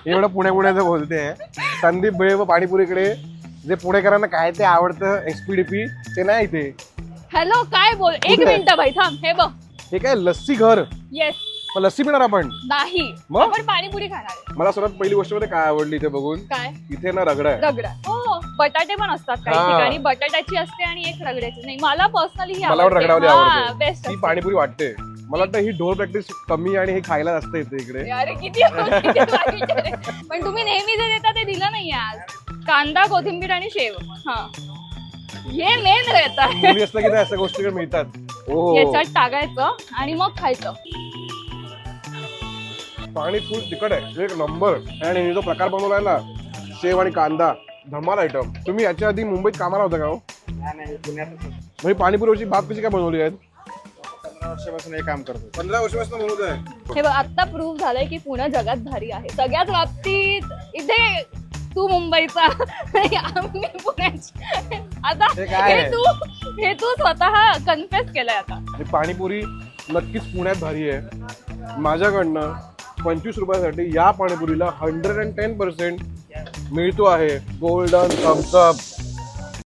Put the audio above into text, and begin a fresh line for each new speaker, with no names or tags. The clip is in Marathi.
एवढं पुण्याचं बोलते. संदीप भेळ व पाणीपुरीकडे जे पुणेकरांना काय ते आवडतं एसपीडीपी ते नाही इथे.
हॅलो काय बोल, एक
कुठे?
मिनिट बाई थांब. हे बघ,
हे काय लस्सी घर.
येस.
मग लस्सी पिणार आपण.
नाही,
मग?
आपण पाणीपुरी खाणार आहे.
मला सर्वात पहिली गोष्ट मध्ये काय आवडली इथे बघून,
काय?
इथे ना रगडा आहे.
रगडा. हो, बटाटे पण असतात काही
हा.
ठिकाणी. बटाट्याची असते आणि एक रगड्याची. नाही, मला पर्सनली ही
मला पण रगडावली आवडते.
बेस्ट.
ती पाणीपुरी वाटते. मला वाटतं ही ढोल प्रॅक्टिस कमी आणि हे खायला जास्त येते इकडे.
अरे किती वाईट आहे. पण तुम्ही नेहमी जे देता ते दिलं नाही आज. कांदा, कोथिंबीर आणि शेव. हा, हे मेन रहता है.
मुली असलं की नाही अशा गोष्टी मिळतात. ओ
याच्यात टाकायचं आणि मग खायचं.
पाणी फुल तिखट आहे, एक नंबर. आणि जो प्रकार बनवलाय ना, शेव आणि कांदा, धमाल आयटम. तुम्ही याच्या आधी मुंबईत कामाला होता का हो?
नाही पुण्यातच
म्हणजे पाणीपुरीची भात कशी काय बनवली आहेत?
15 वर्षापासून हे काम करतो.
15 वर्षापासून बनवत आहे.
हे बघ, आता प्रूव्ह झालंय की पुणे जगात भारी आहे सगळ्याच बाबतीत. इथे तू मुंबईचा आणि आम्ही पुण्याची. आता
हे काय आहे?
हे तू स्वतः कन्फेस केलंय आता.
आणि पाणीपुरी नक्कीच पुण्यात भारी आहे. माझ्याकडनं 25 रुपयासाठी या पाणीपुरीला 110% मिळतो आहे गोल्डन थम्स अप.